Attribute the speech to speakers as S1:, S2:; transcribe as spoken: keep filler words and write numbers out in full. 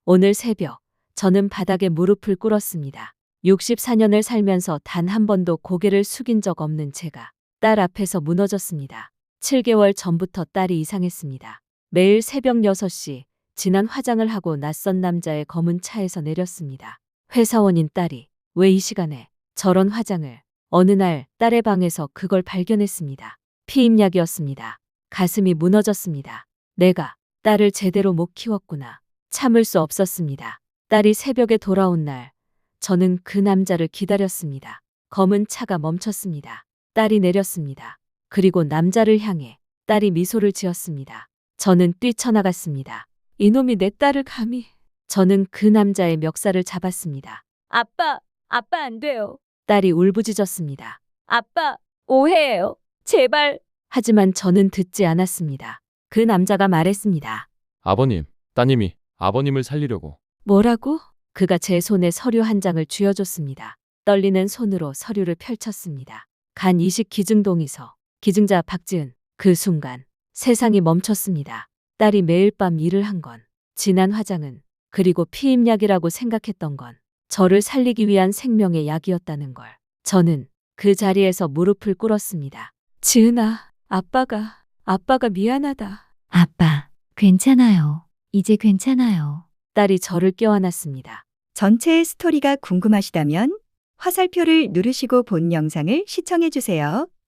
S1: 오늘 새벽 저는 바닥에 무릎을 꿇었습니다. 육십사 년을 살면서 단 한 번도 고개를 숙인 적 없는 제가 딸 앞에서 무너졌습니다. 칠 개월 전부터 딸이 이상했습니다. 매일 새벽 여섯 시 진한 화장을 하고 낯선 남자의 검은 차에서 내렸습니다. 회사원인 딸이 왜 이 시간에 저런 화장을? 어느 날 딸의 방에서 그걸 발견했습니다. 피임약이었습니다. 가슴이 무너졌습니다. 내가 딸을 제대로 못 키웠구나. 참을 수 없었습니다. 딸이 새벽에 돌아온 날 저는 그 남자를 기다렸습니다. 검은 차가 멈췄습니다. 딸이 내렸습니다. 그리고 남자를 향해 딸이 미소를 지었습니다. 저는 뛰쳐나갔습니다. 이놈이 내 딸을 감히. 저는 그 남자의 멱살을 잡았습니다.
S2: 아빠, 아빠 안 돼요.
S1: 딸이 울부짖었습니다.
S2: 아빠, 오해예요. 제발.
S1: 하지만 저는 듣지 않았습니다. 그 남자가 말했습니다.
S3: 아버님, 따님이 아버님을 살리려고.
S1: 뭐라고? 그가 제 손에 서류 한 장을 쥐어줬습니다. 떨리는 손으로 서류를 펼쳤습니다. 간 이식 기증 동의서. 기증자 박지은. 그 순간 세상이 멈췄습니다. 딸이 매일 밤 일을 한 건, 진한 화장은, 그리고 피임약이라고 생각했던 건 저를 살리기 위한 생명의 약이었다는 걸. 저는 그 자리에서 무릎을 꿇었습니다. 지은아, 아빠가, 아빠가 미안하다.
S4: 아빠, 괜찮아요. 이제 괜찮아요.
S1: 딸이 저를 껴안았습니다.
S5: 전체의 스토리가 궁금하시다면 화살표를 누르시고 본 영상을 시청해 주세요.